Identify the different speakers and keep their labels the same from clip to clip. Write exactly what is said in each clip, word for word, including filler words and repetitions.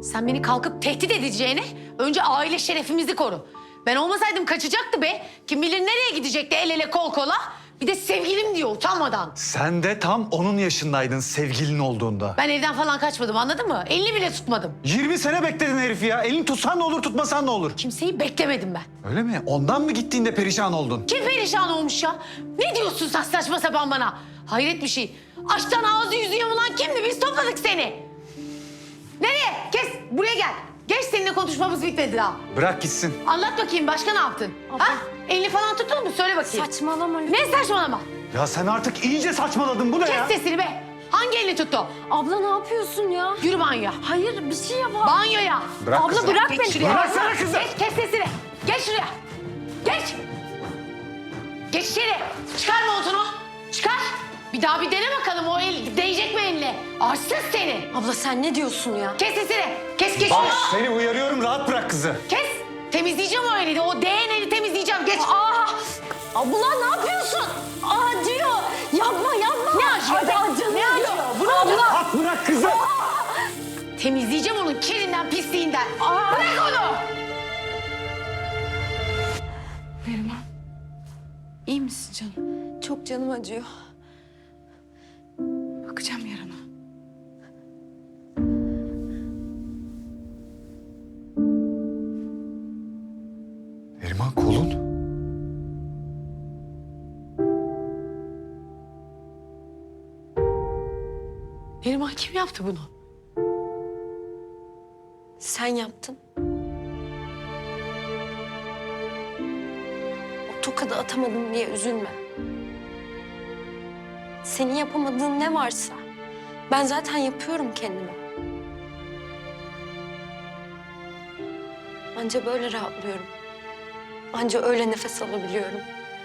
Speaker 1: Sen beni kalkıp tehdit edeceğine önce aile şerefimizi koru. Ben olmasaydım kaçacaktı be. Kim bilir nereye gidecekti el ele kol kola. Bir de sevgilim diyor utanmadan.
Speaker 2: Sen de tam onun yaşındaydın sevgilin olduğunda.
Speaker 1: Ben evden falan kaçmadım, anladın mı? Elini bile tutmadım.
Speaker 2: yirmi sene bekledin herifi ya. Elini tutsan ne olur, tutmasan ne olur?
Speaker 1: Kimseyi beklemedim ben.
Speaker 2: Öyle mi? Ondan mı gittiğinde perişan oldun?
Speaker 1: Kim perişan olmuş ya? Ne diyorsun sen saçma sapan bana? Hayret bir şey. Açtan ağzı yüzü yamulan kimdi? Biz topladık seni. Nereye? Kes, buraya gel. Geç, seninle konuşmamız bitmedi daha.
Speaker 2: Bırak gitsin.
Speaker 1: Anlat bakayım, başka ne yaptın?
Speaker 3: Abla.
Speaker 1: Ha? Elini falan tuttun mu? Söyle bakayım.
Speaker 3: Saçmalama.
Speaker 1: Ne saçmalama?
Speaker 2: Ya sen artık iyice saçmaladın. Bu ne ya?
Speaker 1: Kes sesini be. Hangi elini tuttu?
Speaker 3: Abla ne yapıyorsun ya?
Speaker 1: Yürü banyoya.
Speaker 3: Hayır bir şey yap.
Speaker 1: Banyoya.
Speaker 2: Bırak
Speaker 3: Abla
Speaker 2: kızı.
Speaker 3: bırak
Speaker 1: Geç
Speaker 3: beni.
Speaker 1: şuraya.
Speaker 2: Bıraksana kızı.
Speaker 1: Geç, kes sesini. Geç şuraya. Geç. Geç içeri. Çıkar montunu. Çıkar. Bir daha bir dene bakalım, o el değecek mi eline? Arsız seni.
Speaker 3: Abla sen ne diyorsun ya?
Speaker 1: Kes sesini. Kes, geç
Speaker 2: Bak
Speaker 1: şuraya.
Speaker 2: seni uyarıyorum, rahat bırak kızı.
Speaker 1: Kes. Temizleyeceğim o eli de. O değen eli temizleyeceğim. Geç.
Speaker 3: Aa! Abla ne yapıyorsun? Acıyor. Yapma yapma.
Speaker 1: Ne acıyor be?
Speaker 3: Ay, canım
Speaker 1: Ne
Speaker 3: acıyor.
Speaker 1: acıyor? Bunu
Speaker 3: Abla.
Speaker 2: Rahat bırak kızı.
Speaker 1: Temizleyeceğim onun kirinden, pisliğinden. Bırak onu.
Speaker 4: Neriman, iyi misin canım?
Speaker 3: Çok canım acıyor.
Speaker 4: Bakacağım yarana.
Speaker 2: Neriman kolun.
Speaker 1: Neriman, kim yaptı bunu?
Speaker 3: Sen yaptın. O tokadı atamadım diye üzülme. Senin yapamadığın ne varsa ben zaten yapıyorum kendime. Anca böyle rahatlıyorum. Anca öyle nefes alabiliyorum.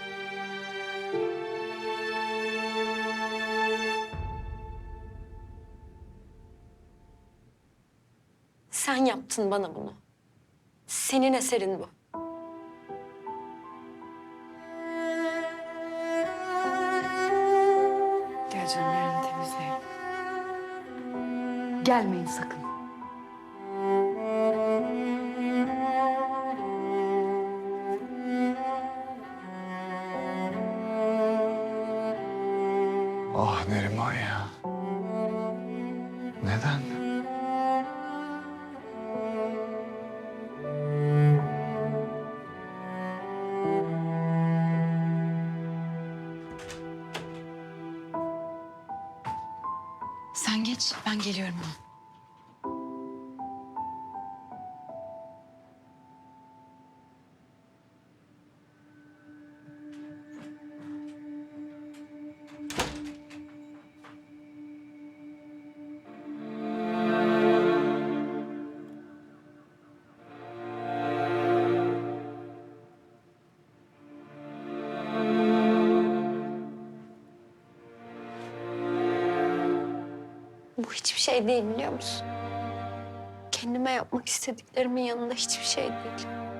Speaker 3: Sen yaptın bana bunu. Senin eserin bu.
Speaker 4: Gel canım, yarın temizleyelim. Gelmeyin sakın.
Speaker 2: Ah Neriman ya. Neden?
Speaker 4: Sen geç, ben geliyorum hemen.
Speaker 3: Bu hiçbir şey değil biliyor musun? Kendime yapmak istediklerimin yanında hiçbir şey değil.